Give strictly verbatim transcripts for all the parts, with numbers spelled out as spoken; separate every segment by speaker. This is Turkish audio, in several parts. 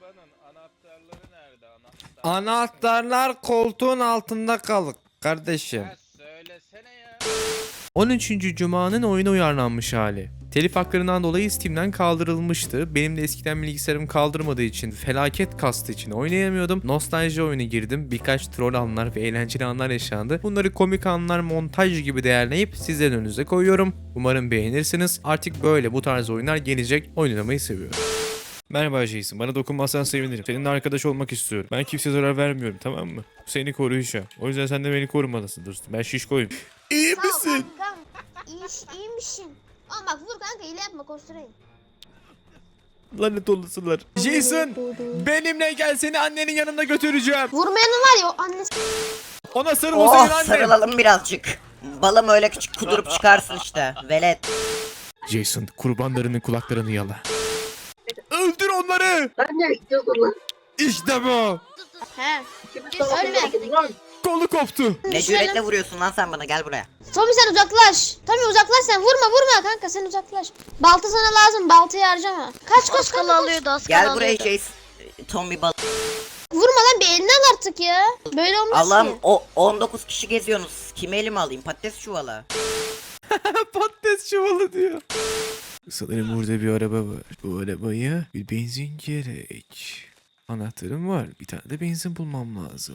Speaker 1: arabanın anahtarları nerede? Anahtar.
Speaker 2: Anahtarlar koltuğun altında kalır kardeşim.
Speaker 1: Ya söylesene ya.
Speaker 2: on üçüncü Cuma'nın oyuna uyarlanmış hali. Telif haklarından dolayı Steam'den kaldırılmıştı. Benim de eskiden bilgisayarım kaldırmadığı için, felaket kastı için oynayamıyordum. Nostalji oyunu girdim. Birkaç troll anlar ve eğlenceli anlar yaşandı. Bunları komik anlar, montaj gibi değerleyip sizlerin önünüze koyuyorum. Umarım beğenirsiniz. Artık böyle bu tarz oyunlar gelecek. Oynamayı seviyorum. Merhaba Jason, bana dokunmazsan sevinirim. Seninle arkadaş olmak istiyorum. Ben kimseye zarar vermiyorum, tamam mı? Bu seni koruyacağım. O yüzden sen de beni korumalısın dostum. Ben şişkoyum. İyi
Speaker 3: Sağ ol
Speaker 2: misin?
Speaker 3: kankam. İyi, iyiymişsin. Ama bak vur kanka, hile yapma, koşturayım.
Speaker 2: Lanet olasılar. Jason, benimle gel, seni annenin yanına götüreceğim.
Speaker 3: Vurmayanın var ya o annesi.
Speaker 2: Ona sarıl, o senin
Speaker 4: Oh,
Speaker 2: annen.
Speaker 4: sarılalım birazcık. Balım öyle küçük kudurup çıkarsın işte. Velet.
Speaker 2: Jason, kurbanlarının kulaklarını yala. Öldür onları. İşte bu.
Speaker 3: He. Ölme.
Speaker 2: Kolu koptu.
Speaker 4: Ne cüretle vuruyorsun lan sen bana, gel buraya.
Speaker 3: Tommy sen uzaklaş. Tommy uzaklaş sen, vurma vurma kanka, sen uzaklaş. Balta sana lazım, baltayı harcama. Kaç koş kanka, alıyordu az
Speaker 4: Gel buraya Jason. Tommy bal.
Speaker 3: Vurma lan, bir elini al artık ya. Böyle olmaz
Speaker 4: Allah'ım,
Speaker 3: ki.
Speaker 4: o on dokuz kişi geziyorsunuz. Kimi elime alayım? Patates çuvalı.
Speaker 2: Patates çuvalı diyor. Sanırım burada bir araba var. Bu arabaya bir benzin gerek. Anahtarım var. Bir tane de benzin bulmam lazım.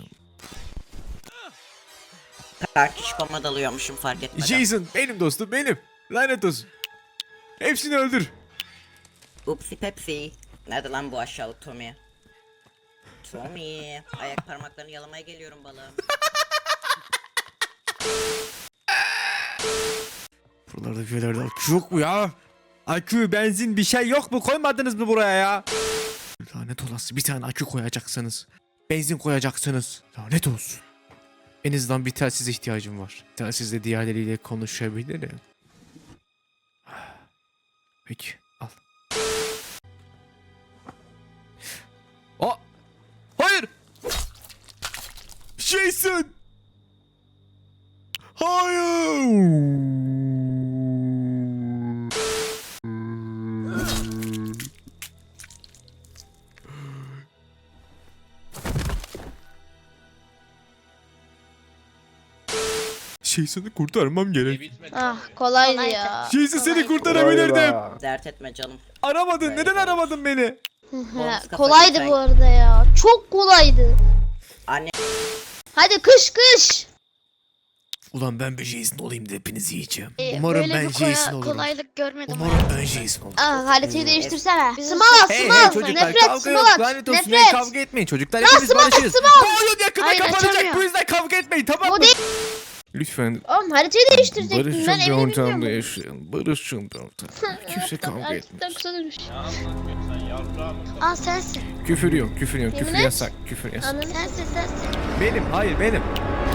Speaker 4: Kaç kişi koma dalıyormuşum fark etmeden.
Speaker 2: Jason, benim dostum, benim. Lanet olsun. Hepsini öldür.
Speaker 4: Upsi Pepsi. Nerede lan bu aşağılık Tommy? Tommy. Ayak parmaklarını yalamaya geliyorum balım.
Speaker 2: Buralarda bir yerlerde akü yok mu ya? Akü, benzin, bir şey yok mu? Koymadınız mı buraya ya? Lanet olası, bir tane akü koyacaksınız. Benzin koyacaksınız. Lanet olsun. En azından bir telsize ihtiyacım var. Telsizle diğerleriyle konuşabilirim. Peki, al. Aa! Hayır! Jason! Hayır! Jason'ı kurtarmam
Speaker 1: Ne
Speaker 2: gerek.
Speaker 1: bitmedi.
Speaker 3: Ah kolaydı ya.
Speaker 2: Jason, seni kurtarabilirdim.
Speaker 4: Dert etme canım.
Speaker 2: Aramadın.
Speaker 4: Böyle
Speaker 2: Neden
Speaker 4: olur.
Speaker 2: aramadın beni?
Speaker 3: Ha,
Speaker 4: kafa
Speaker 3: kolaydı
Speaker 4: sen-
Speaker 3: bu arada ya. Çok kolaydı.
Speaker 4: Anne.
Speaker 3: Hadi kış kış.
Speaker 2: Ulan ben bir Jason olayım da hepinizi yiyeceğim.
Speaker 5: Ee,
Speaker 2: Umarım
Speaker 5: böyle
Speaker 2: ben
Speaker 5: bir koya-
Speaker 2: Jason olurum.
Speaker 5: kolaylık görmedim.
Speaker 2: Umarım ben Jason olurum.
Speaker 3: Ah haritayı değiştirsene.
Speaker 5: Bizim-
Speaker 3: Small
Speaker 2: Hey
Speaker 3: small.
Speaker 2: hey çocuklar,
Speaker 3: Nefret
Speaker 2: kavga yok.
Speaker 3: small.
Speaker 2: Lanet olsun.
Speaker 3: Nefret.
Speaker 2: Kavga etmeyin çocuklar.
Speaker 3: Ya
Speaker 2: Hepimiz
Speaker 3: small,
Speaker 2: barışırız.
Speaker 3: small.
Speaker 2: Bu oyun yakında
Speaker 5: Hayır,
Speaker 2: kapanacak.
Speaker 5: açamıyor.
Speaker 2: Bu yüzden kavga etmeyin, tamam mı?
Speaker 3: Bu değil.
Speaker 2: Lütfen
Speaker 3: Oğlum haritayı değiştirecektin.
Speaker 2: barışın
Speaker 3: Ben
Speaker 2: bir
Speaker 3: evini
Speaker 2: ortamda
Speaker 3: bilmiyorum.
Speaker 2: yaşayın. Barışın bir ortamda. Kimse kavga
Speaker 3: Gerçekten
Speaker 2: etmez.
Speaker 3: kısa dönmüş.
Speaker 1: Ne anlatıyorsun sen yavrum mısın?
Speaker 5: Aa sensin.
Speaker 2: Küfür yok, küfür yok. Küfür
Speaker 3: Yemin et.
Speaker 2: yasak, küfür yasak.
Speaker 3: Ananı
Speaker 5: Sensin sensin.
Speaker 2: Benim, hayır benim.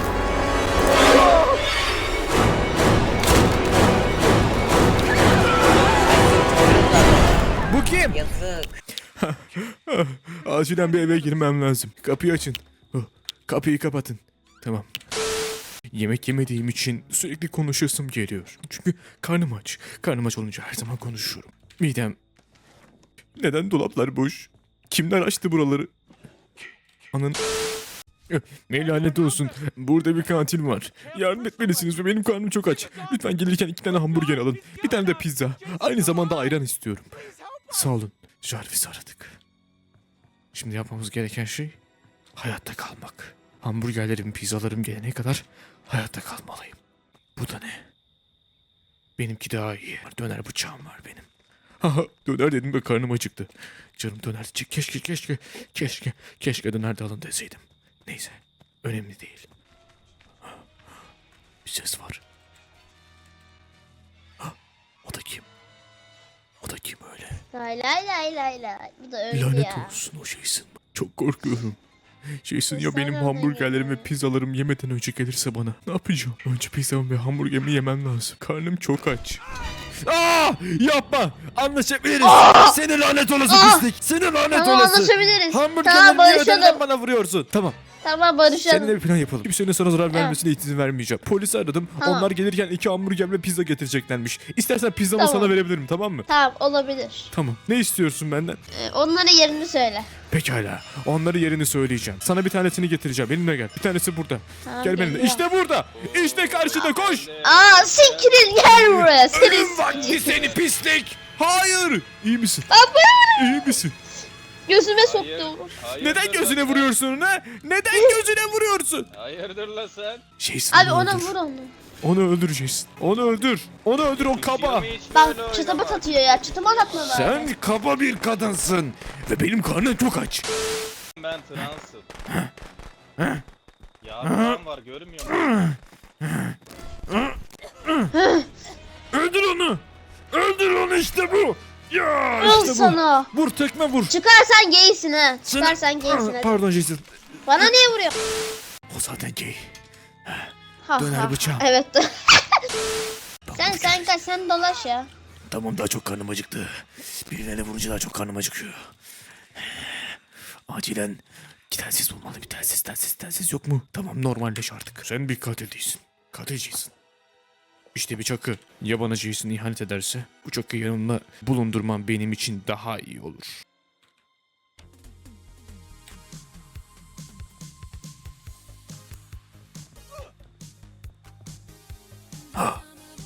Speaker 2: Bu kim?
Speaker 4: Yazık.
Speaker 2: Acilen bir eve girmem lazım. Kapıyı açın. Oh, kapıyı kapatın. Tamam. Yemek yemediğim için sürekli konuşasım geliyor. Çünkü karnım aç. Karnım aç olunca her zaman konuşuyorum. Midem... Neden dolaplar boş? Kimler açtı buraları? Anın... Ne lanet olsun. Burada bir katil var. Yardım etmelisiniz ve benim karnım çok aç. Lütfen gelirken iki tane hamburger alın. Bir tane de pizza. Aynı zamanda ayran istiyorum. Sağ olun. Jarvis'i aradık. Şimdi yapmamız gereken şey hayatta kalmak. Hamburgerlerim, pizzalarım gelene kadar hayatta kalmalıyım. Bu da ne? Benimki daha iyi. Döner bıçağım var benim. Haha, döner dedim ve karnım acıktı. Canım döner. Keşke keşke keşke keşke döner de alın deseydim. Neyse, önemli değil. Bir ses var. Ha, o da kim? O da kim öyle?
Speaker 3: Lay lay lay lay lay. Bu da öldü
Speaker 2: Lanet
Speaker 3: ya.
Speaker 2: olsun o Jason. Çok korkuyorum. Jason ya
Speaker 3: Sen
Speaker 2: benim
Speaker 3: öyle
Speaker 2: hamburgerlerim ve
Speaker 3: mi?
Speaker 2: pizzalarım yemeden önce gelirse bana ne yapacağım? Önce pizzamı ve hamburgerimi yemem lazım. Karnım çok aç. Aa! Yapma! Anlaşabiliriz. Seni lanet olası
Speaker 3: Aa!
Speaker 2: pislik. Seni lanet
Speaker 3: Tamam
Speaker 2: olası.
Speaker 3: anlaşabiliriz. Tamam
Speaker 2: Hamburgerlerimi yemeden
Speaker 3: barışalım.
Speaker 2: bana vuruyorsun. Tamam.
Speaker 3: Tamam
Speaker 2: Seninle
Speaker 3: barışalım.
Speaker 2: bir plan yapalım. Kimsenin sana zarar
Speaker 3: Evet.
Speaker 2: vermesine izin vermeyeceğim. Polisi aradım.
Speaker 3: Tamam.
Speaker 2: Onlar gelirken iki hamburger ve pizza getireceklermiş. İstersen pizzamı
Speaker 3: Tamam.
Speaker 2: sana verebilirim, tamam mı?
Speaker 3: Tamam olabilir.
Speaker 2: Tamam. Ne istiyorsun benden?
Speaker 3: Ee, onlara yerini söyle.
Speaker 2: Pekala. Onları yerini söyleyeceğim. Sana bir tanesini getireceğim. Benimle gel. Bir tanesi burada.
Speaker 3: Tamam,
Speaker 2: Gel benimle.
Speaker 3: geliyorum.
Speaker 2: İşte burada. İşte karşıda koş.
Speaker 3: Aa siktir gel buraya. Seni
Speaker 2: Ölüm vakti seni pislik. Hayır. İyi misin?
Speaker 3: Baba.
Speaker 2: İyi misin?
Speaker 3: Gözüme
Speaker 1: Hayır,
Speaker 3: soktu.
Speaker 1: hayırdır
Speaker 2: Neden
Speaker 1: lan
Speaker 2: gözüne
Speaker 1: sen?
Speaker 2: vuruyorsun ona? Neden gözüne vuruyorsun?
Speaker 1: Hayırdır lan sen?
Speaker 2: Jason
Speaker 3: Abi
Speaker 2: onu
Speaker 3: ona
Speaker 2: öldür.
Speaker 3: vur onu.
Speaker 2: Onu öldür Jason. Onu öldür. Onu öldür o kaba.
Speaker 1: Yirmi hiç
Speaker 3: Bak
Speaker 1: böyle
Speaker 3: çıtabat
Speaker 1: oynama.
Speaker 3: atıyor ya. Çıtabat atma bari.
Speaker 2: Sen kaba bir kadınsın. Ve benim karnım çok aç.
Speaker 1: Ben transım. Yardım var görmüyor musun?
Speaker 2: Öldür onu. Öldür onu işte bu. Ya
Speaker 3: Al
Speaker 2: işte bu.
Speaker 3: sana.
Speaker 2: Vur tekme vur.
Speaker 3: Çıkarsan gaysin ha.
Speaker 2: Seni-
Speaker 3: Çıkarsan gaysin
Speaker 2: Ah,
Speaker 3: ha.
Speaker 2: Pardon Jason.
Speaker 3: Bana niye vuruyor?
Speaker 2: O zaten gay.
Speaker 3: Ha,
Speaker 2: Döner
Speaker 3: ha.
Speaker 2: bıçağım.
Speaker 3: Evet. sen sen kaç sen dolaş ya.
Speaker 2: Tamam daha çok karnım acıktı. Birilerine vurunca daha çok karnım acıkıyor. Acilen bir telsiz bulmalı. Bir telsiz telsiz telsiz yok mu? Tamam normalleş artık. Sen bir katil değilsin. Katil Jason. İşte bir çakı. Ya bana Jason ihanet ederse bu çakıyı yanımda bulundurmam benim için daha iyi olur. Ha.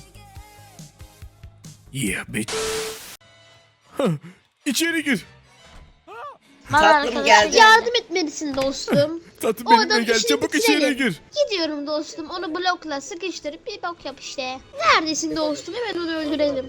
Speaker 2: Yeah bitch. Ha, İçeri gir.
Speaker 4: Tatlım geldi.
Speaker 3: Yardım etmelisin dostum.
Speaker 2: Tatlım
Speaker 3: O
Speaker 2: benimle
Speaker 3: adam
Speaker 2: gel
Speaker 3: işini
Speaker 2: çabuk
Speaker 3: bitirelim.
Speaker 2: içeri gir.
Speaker 3: Gidiyorum dostum. Onu blokla sıkıştırıp bir bok yap işte. Neredesin dostum? Hemen onu öldürelim.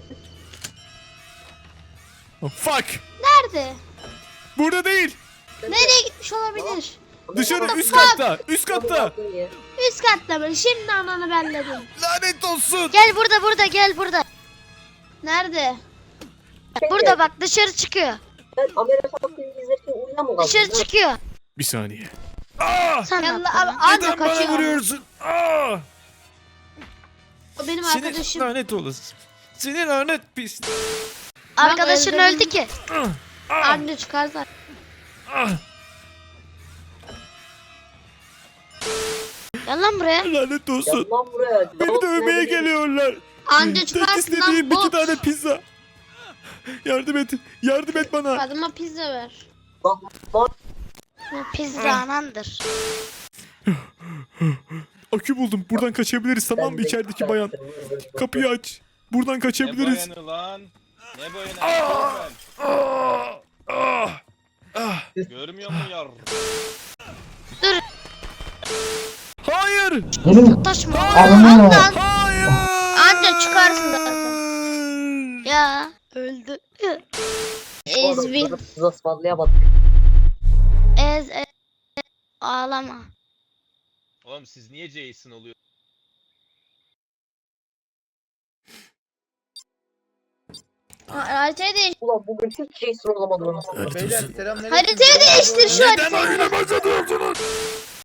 Speaker 2: Oh, fuck.
Speaker 3: Nerede?
Speaker 2: Burada değil.
Speaker 3: Nereye gitmiş olabilir?
Speaker 2: Dışarı üst katta. Üst katta.
Speaker 3: Üst katta mı? Şimdi ananı belledim.
Speaker 2: Lanet olsun.
Speaker 5: Gel burada burada gel burada.
Speaker 3: Nerede?
Speaker 5: Burada bak dışarı çıkıyor.
Speaker 6: Ben Amerikan filmi izlerken uyuyamam.
Speaker 5: Dışarı çıkıyor.
Speaker 2: Bir saniye. Aa!
Speaker 5: Sen ne
Speaker 3: Yallah
Speaker 5: yaptın?
Speaker 3: abi anca
Speaker 2: Neden bana
Speaker 3: kaçıyor.
Speaker 2: vuruyorsun? Aa!
Speaker 3: O benim
Speaker 2: Seni
Speaker 3: arkadaşım.
Speaker 2: lanet olasın. Seni lanet pis.
Speaker 5: Arkadaşın
Speaker 3: öldürdüm.
Speaker 5: öldü ki.
Speaker 2: Ah! Ah!
Speaker 3: Anca çıkarsa.
Speaker 2: Ah!
Speaker 5: Gel lan buraya.
Speaker 2: Lanet olsun.
Speaker 6: Gel lan buraya.
Speaker 2: Beni dövmeye geliyorlar.
Speaker 3: Anca
Speaker 2: Tek
Speaker 3: çıkarsın
Speaker 2: istediğim
Speaker 3: lan
Speaker 2: iki
Speaker 3: bot.
Speaker 2: tane pizza. Yardım et. Yardım et bana.
Speaker 3: Adıma pizza ver.
Speaker 6: Lan lan.
Speaker 5: Bu pizza anandır.
Speaker 2: Akü buldum. Buradan kaçabiliriz tamam mı?
Speaker 6: Ben de-
Speaker 2: İçerideki bayan. Kapıyı aç. Buradan
Speaker 1: Ne
Speaker 2: kaçabiliriz.
Speaker 1: bayanı lan? Ne bayanı?
Speaker 2: Ah!
Speaker 1: Ben.
Speaker 2: Ah! Ah! Ah!
Speaker 1: Görmüyor musun yar?
Speaker 2: Hayır!
Speaker 5: Taşma.
Speaker 3: Ondan
Speaker 2: Hayır!
Speaker 3: anca çıkarsın zaten.
Speaker 5: Ya öldü.
Speaker 3: Ezvin.
Speaker 6: Biz ısmarlayamadık.
Speaker 5: Ez, ez. Ağlama.
Speaker 1: Oğlum siz niye Jason oluyor?
Speaker 3: Haritayı değiş.
Speaker 6: Ulan bugün hiç şey sıralamadım.
Speaker 2: Lanet olsun.
Speaker 3: Haritayı değiştir şu
Speaker 2: Neden
Speaker 3: haritayı.
Speaker 2: oyuna başlatıyorsunuz?